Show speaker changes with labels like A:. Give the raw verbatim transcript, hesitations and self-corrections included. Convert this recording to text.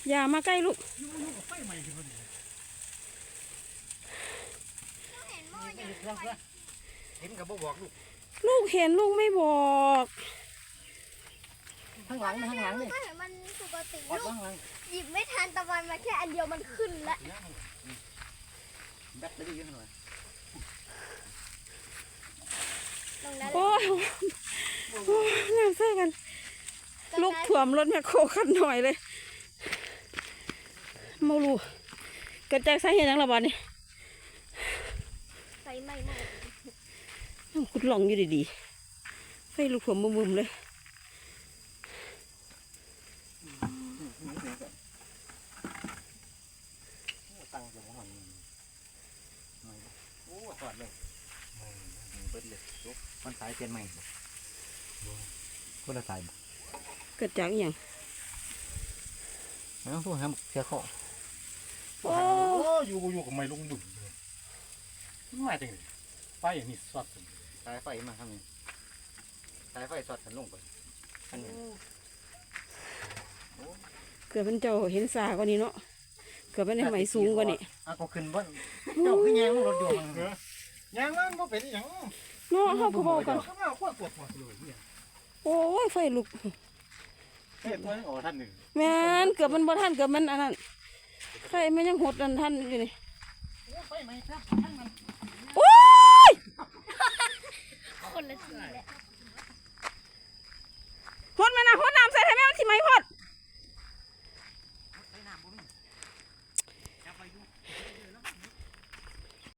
A: อย่ามาใกล้ลูก
B: ยุ่งยุ่งกับไฟใหม่ขึ้นมาดิเห็นกับบ่บอกลูก
A: ลูกเห็นลูกไม่บอก
B: ข้างหลังข้างหลังนี่
C: ก็เห็นมันปกติ
B: ลูก
C: หยิบไม่ทันตะวันมาแค่อันเดียวมันขึ้นแล้ว
B: แบตเตอรี่เยอะหน่อย
A: โอ้ยน้ำใส่กันลูกถ่วมรถแมคโครขันหน่อยเลยมาลูเกิดจากสาเหตุยังระบาดนี่
C: ไฟไหม้ไหม้
A: น้ำขุดหลงอยู่ดีๆไฟลูกถ่วมมุมๆเลย
B: ตั้งอยู่หันโอ้ถอดเลยเปิดเลยจบมันสายเปลี่ยนใหม่คนละสาย
A: เกิดจากอย่าง
B: แล้วพวกhemเสียข้อโอ้อยู่อยู่กับไม้ลงดุ่มมาจังเลยไฟอย่างนี้สอดสายไฟมาทำนี่สายไฟสอดกันลงไปอันนี้
A: เกิดเป็นเจ้าเห็นสากว่านี้เนาะเกิดเป็นในไหมสูงกว่านี้
B: อ่ะก็ขึ้นบ้านเจ้าขึ้นแยงรถยนต์แยงมันก็เป็นอย่าง
A: เนาะเขาก็บอกกันโอ้ยไฟลุก
B: เฮ้ยตัวนี้โอ้ท่านหนึ่ง
A: แม่นเกือบมันบ่ท่านเกือบมันอันนั้นไฟมันยังหดอันท่านอยู่นี่
B: ไฟไหมครับท่านมัน